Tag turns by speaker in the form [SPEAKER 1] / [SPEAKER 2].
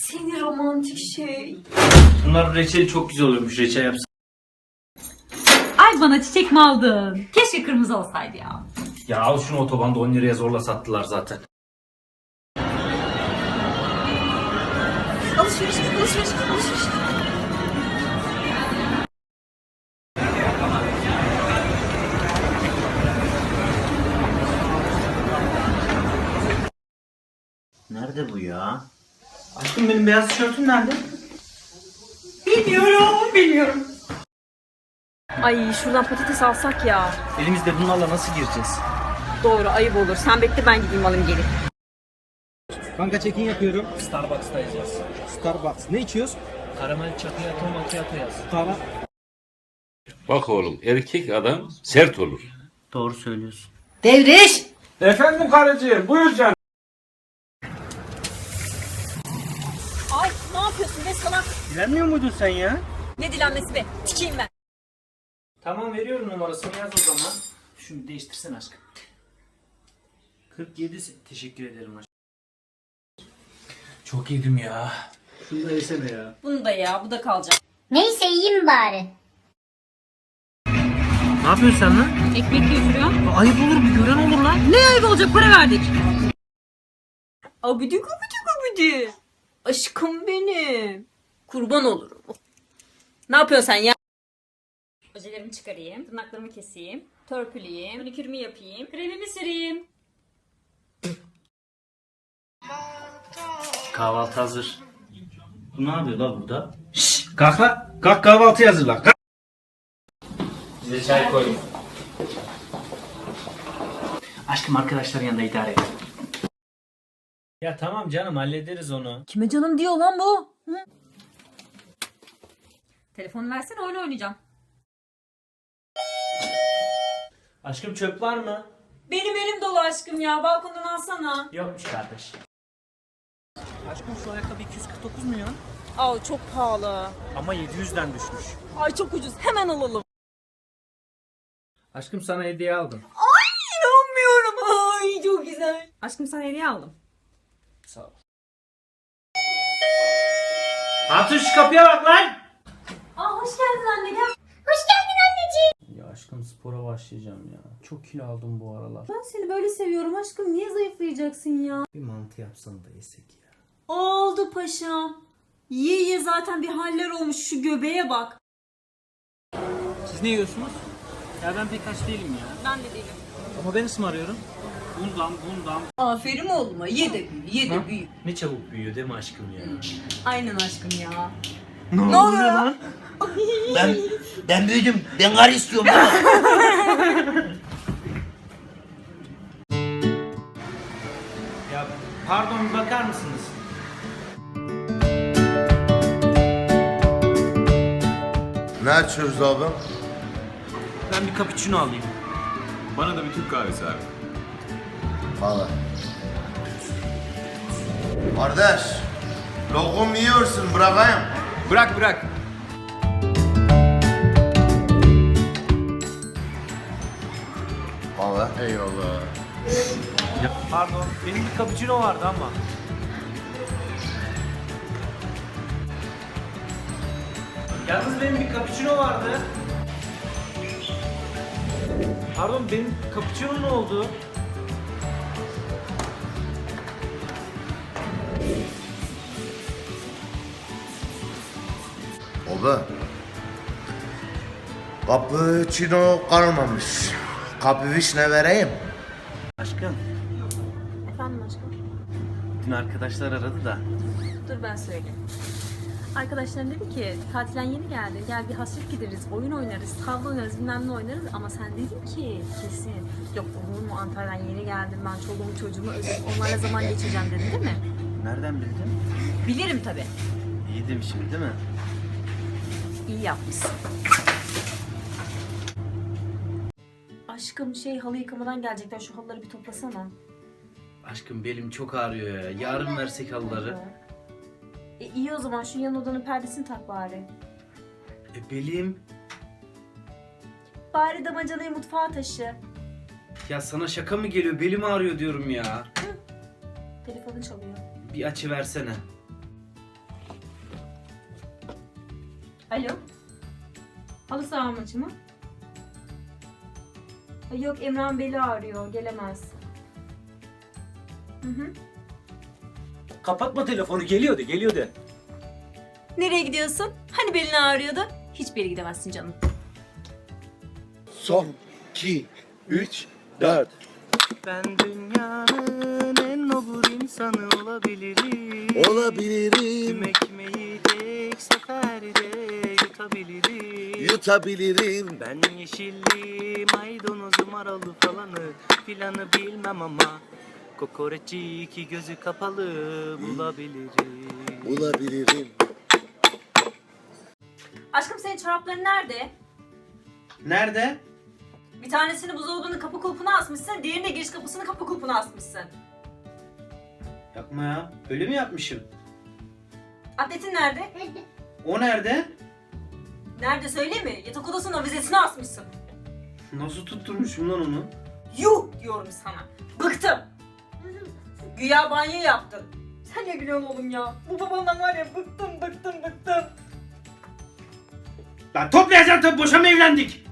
[SPEAKER 1] Seni romantik şey.
[SPEAKER 2] Bunlar reçeli çok güzel oluyormuş. Reçel yapsın.
[SPEAKER 1] Ay bana çiçek mi aldın? Keşke kırmızı olsaydı ya.
[SPEAKER 2] Ya al şunu, otobanda 10 liraya zorla sattılar zaten.
[SPEAKER 1] Alışveriş.
[SPEAKER 2] Nerede bu ya? Aşkım benim beyaz tişörtüm nerede?
[SPEAKER 1] Bilmiyorum. Ay şuradan patates alsak ya.
[SPEAKER 2] Elimizde bunlarla nasıl gireceğiz?
[SPEAKER 1] Doğru, ayıp olur. Sen bekle, ben gideyim alayım gelin.
[SPEAKER 3] Kanka check-in yapıyorum.
[SPEAKER 2] Starbucks'ta yiyeceğiz.
[SPEAKER 3] Starbucks. Ne içiyoruz?
[SPEAKER 2] Karamel çakıya macchiato yaz.
[SPEAKER 3] Kara.
[SPEAKER 4] Bak oğlum, erkek adam sert olur.
[SPEAKER 2] Doğru söylüyorsun.
[SPEAKER 1] Devriş!
[SPEAKER 3] Efendim karıcığım, buyur canım.
[SPEAKER 1] Ay ne yapıyorsun be salak?
[SPEAKER 3] Dilenmiyor muydun sen ya?
[SPEAKER 1] Ne dilenmesi be? Tikeyim ben.
[SPEAKER 2] Tamam, veriyorum numarasını, yaz o zaman. Şunu değiştirsen aşkım. 47, teşekkür ederim aşkım. Çok yedim ya. Şunu da yesene ya.
[SPEAKER 1] Bunu da ya, bu da kalacak.
[SPEAKER 5] Neyse yiyeyim bari.
[SPEAKER 2] Ne yapıyorsun sen lan?
[SPEAKER 1] Ekmek götürüyor.
[SPEAKER 2] Ayıp olur, bir gören olur lan.
[SPEAKER 1] Ne ayıp olacak, para verdik. Abidik. Aşkım benim. Kurban olurum. Ne yapıyorsun sen ya? Ojelerimi çıkarayım, tırnaklarımı keseyim, törpüleyeyim, manikürümü yapayım, kremimi süreyim.
[SPEAKER 2] Kahvaltı hazır. Bu ne yapıyor la burada?
[SPEAKER 3] Şşş, kalk lan. Kalk kahvaltı hazırla. Kalk.
[SPEAKER 2] Size çay koyayım. Aşkım arkadaşların yanında idare et. Ya tamam canım, hallederiz onu.
[SPEAKER 1] Kime canım diyor lan bu? Hı? Telefonu versene, oyun oynayacağım.
[SPEAKER 2] Aşkım çöp var mı?
[SPEAKER 1] Benim elim dolu aşkım ya, balkondan alsana.
[SPEAKER 2] Yokmuş kardeş. Aşkım şu ayakkabı 249 mu ya?
[SPEAKER 1] Aa çok pahalı.
[SPEAKER 2] Ama 700'den düşmüş.
[SPEAKER 1] Ay çok ucuz, hemen alalım.
[SPEAKER 2] Aşkım sana hediye aldım.
[SPEAKER 1] İnanmıyorum, ay çok güzel. Aşkım sana hediye aldım.
[SPEAKER 2] Sağ ol. Hatun şu kapıya bak lan!
[SPEAKER 1] Aa hoş geldin anne, gel.
[SPEAKER 2] Ya aşkım spora başlayacağım ya. Çok kilo aldım bu aralar.
[SPEAKER 1] Ben seni böyle seviyorum aşkım, niye zayıflayacaksın ya?
[SPEAKER 2] Bir mantı yapsan da yesek ya.
[SPEAKER 1] Oldu paşam. Ye zaten bir haller olmuş, şu göbeğe bak.
[SPEAKER 2] Siz ne yiyorsunuz? Ya ben pek aç değilim ya.
[SPEAKER 1] Ben de değilim.
[SPEAKER 2] Ama ben ısmarıyorum. Bundan.
[SPEAKER 1] Aferin oğluma, ye de büyü, ye de büyü.
[SPEAKER 2] Ne çabuk büyüyor değil mi aşkım ya?
[SPEAKER 1] Aynen aşkım ya.
[SPEAKER 2] Ne oluyor lan?
[SPEAKER 6] Ben büyüdüm. Ben karı istiyorum.
[SPEAKER 2] Ya pardon, bir bakar mısınız?
[SPEAKER 6] Ne açıyoruz abi?
[SPEAKER 2] Ben bir cappuccino alayım.
[SPEAKER 7] Bana da bir Türk kahvesi abi.
[SPEAKER 6] Valla. Kardeş, lokum yiyorsun, bırakayım.
[SPEAKER 7] Bırak.
[SPEAKER 6] Valla.
[SPEAKER 7] Eyvallah.
[SPEAKER 2] Ya pardon, benim bir cappuccino vardı ama. Yalnız benim bir cappuccino vardı. Pardon, benim cappuccino ne oldu?
[SPEAKER 6] Baba. Cappuccino kalmamış. Kapıvişne vereyim.
[SPEAKER 2] Aşkım,
[SPEAKER 1] Efendim aşkım?
[SPEAKER 2] dün arkadaşlar aradı da.
[SPEAKER 1] Dur ben söyleyeyim. Arkadaşlarım dedi ki tatilden yeni geldi. Gel bir hasret gideriz, oyun oynarız, tavla oynarız, bilmem ne oynarız. Ama sen dedin ki kesin. Yok olur mu, Antalya'dan yeni geldim ben, çoluğumu çocuğumu özledim. Onlarla zaman geçireceğim dedin değil mi?
[SPEAKER 2] Nereden bildin?
[SPEAKER 1] Bilirim tabii.
[SPEAKER 2] İyi demişim değil mi?
[SPEAKER 1] İyi yapmışsın. Aşkım halı yıkamadan gelecekler, şu halıları bir toplasana.
[SPEAKER 2] Aşkım belim çok ağrıyor ya. Yarın versek halıları.
[SPEAKER 1] İyi o zaman şu yan odanın perdesini tak bari.
[SPEAKER 2] Belim.
[SPEAKER 1] Bari damacanayı mutfağa taşı.
[SPEAKER 2] Ya sana şaka mı geliyor? Belim ağrıyor diyorum ya.
[SPEAKER 1] Telefonu çalıyor.
[SPEAKER 2] Bir açı versene.
[SPEAKER 1] Alo. Halı saha maçı mı? Ay yok, Emrah'ın beli ağrıyor. Gelemez. Hı hı.
[SPEAKER 3] Kapatma telefonu, geliyordu.
[SPEAKER 1] Nereye gidiyorsun? Hani belin ağrıyordu? Hiçbir yere gidemezsin canım.
[SPEAKER 8] Son 2 3 4.
[SPEAKER 9] Ben dünyanın en obur insanı olabilirim.
[SPEAKER 8] Olabilirim,
[SPEAKER 9] Tüm ekmeği tek seferde yutabilirim. Ben yeşilli, maydanozu, maralı falanı filanı bilmem ama kokoreççi iki gözü kapalı bulabilirim.
[SPEAKER 1] Aşkım, senin çorapların nerede?
[SPEAKER 3] Nerede?
[SPEAKER 1] Bir tanesini buzdolabının kapı kulpuna asmışsın, diğerini de giriş kapısının kapı kulpuna asmışsın.
[SPEAKER 3] Yapma ya. Öyle mi yapmışım?
[SPEAKER 1] Atletin nerede?
[SPEAKER 3] O nerede?
[SPEAKER 1] Nerede söyle mi? Yatak odasının avizesine asmışsın.
[SPEAKER 3] Nasıl tutturmuşum lan onu?
[SPEAKER 1] Yuh diyorum sana. Bıktım. Güya banyo yaptın. Sen ne gülüyorsun oğlum ya? Bu babandan var ya, bıktım.
[SPEAKER 3] Lan toplayacaksın tabii, boşa mı evlendik?